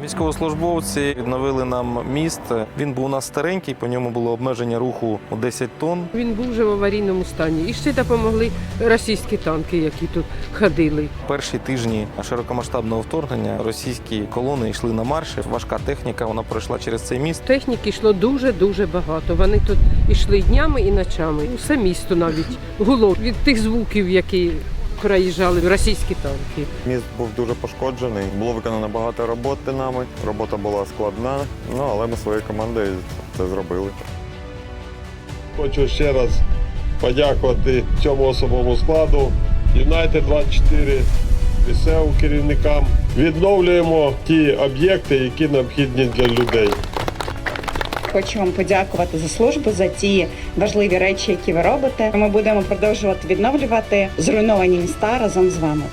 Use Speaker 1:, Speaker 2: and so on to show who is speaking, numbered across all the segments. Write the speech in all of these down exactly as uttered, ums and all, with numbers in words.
Speaker 1: Військовослужбовці відновили нам міст. Він був у нас старенький, по ньому було обмеження руху у десять тонн.
Speaker 2: Він був вже в аварійному стані. І ще допомогли російські танки, які тут ходили.
Speaker 1: Перші тижні широкомасштабного вторгнення російські колони йшли на марші. Важка техніка, вона пройшла через цей міст.
Speaker 2: Техніки йшло дуже-дуже багато. Вони тут йшли днями і ночами. Усе місто навіть гуло від тих звуків, які проїжджали російські танки.
Speaker 3: Міст був дуже пошкоджений, було виконано багато роботи нами, робота була складна, ну, але ми своєю командою це зробили.
Speaker 4: Хочу ще раз подякувати цьому особовому складу, Юнайтед двадцять чотири, місцевим керівникам. Відновлюємо ті об'єкти, які необхідні для людей.
Speaker 5: Хочу вам подякувати за службу, за ті важливі речі, які ви робите. Ми будемо продовжувати відновлювати зруйновані міста разом з вами.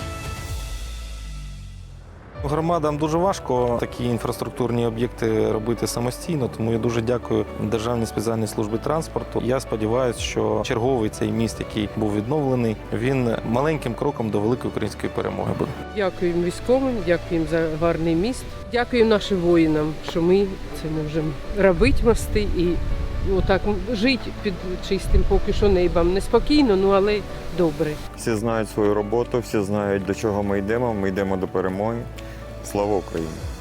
Speaker 1: Громадам дуже важко такі інфраструктурні об'єкти робити самостійно, тому я дуже дякую Державній спеціальній службі транспорту. Я сподіваюся, що черговий цей міст, який був відновлений, він маленьким кроком до великої української перемоги буде.
Speaker 2: Дякуємо військовим, дякуємо за гарний міст. Дякуємо нашим воїнам, що ми це можемо робити мости і отак жити під чистим поки що небом. Неспокійно, ну але добре.
Speaker 3: Всі знають свою роботу, всі знають, до чого ми йдемо. Ми йдемо до перемоги. Слава Україні!